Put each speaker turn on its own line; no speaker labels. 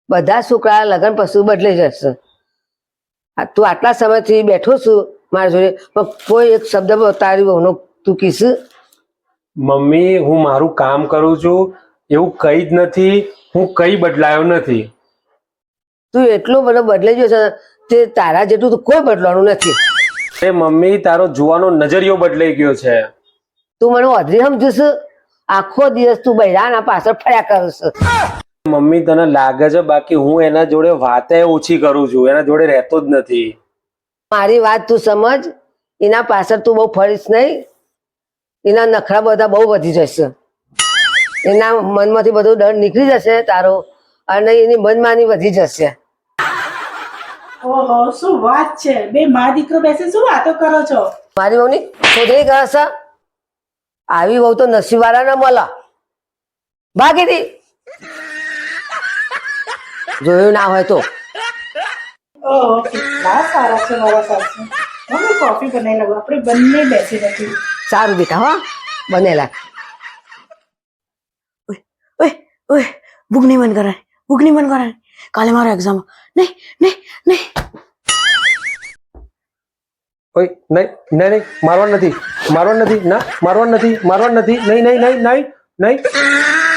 બધા છોકરા લગ્ન પછી બદલાઈ જશે. તું આટલા સમયથી બેઠો છું મારા જોડે, પણ કોઈ એક શબ્દ તારી વહુનો તું કીશ?
મમ્મી હું મારું કામ કરું છું, એવું કઈ જ નથી, હું કઈ બદલાયો નથી.
તું એટલો બધો બદલાઈ ગયો છે તે તારા જેટલું તો કોઈ બદલવાનું નથી.
એ મમ્મી તારો જોવાનો નજરિયો બદલાઈ ગયો છે.
તું મને અધરી સમજુશ? આખો દિવસ તું બૈરાના પાછળ ફર્યા કરશ.
મમ્મી તને લાગે છે, બાકી હું એના જોડે વાતે ઓછી કરું છું, એના જોડે રહેતો જ નથી.
મારી વાત તું સમજ. એના પાછળ તું બહુ ફરીશ નહીં. એના નખરા બધા બહુ વધી જશે. એના મનમાંથી બધો ડર નીકળી જશે તારો, અને એની મનમાની વધી જશે.
ઓહો, શું વાત છે! બે મા દીકરો બેસે શું વાતો કરો છો?
મારી વહુની શોધરી ગયા છે. આવી વહુ તો નસીબવાળા ના મળે. ભાગી દી જોયું ના હોય તો.
ઓહો, કેટલા સારા છે મારા સાસુ. હું કોફી બનાવી લઉં, આપણે બંને બેસી નથી.
સારું બેટા, હા બનેલા.
ઓય ઓય ભૂખ નહીં બંધ કરાય, ભૂખ નહીં બંધ કરાય. કાલે મારો એક્ઝામ. નહીં નહીં નહીં.
ઓય નહીં નહીં નહીં, મારવા નથી, મારવા નથી, ના મારવા નથી, મારવા નથી, નહીં નહીં નહીં નહીં નહીં.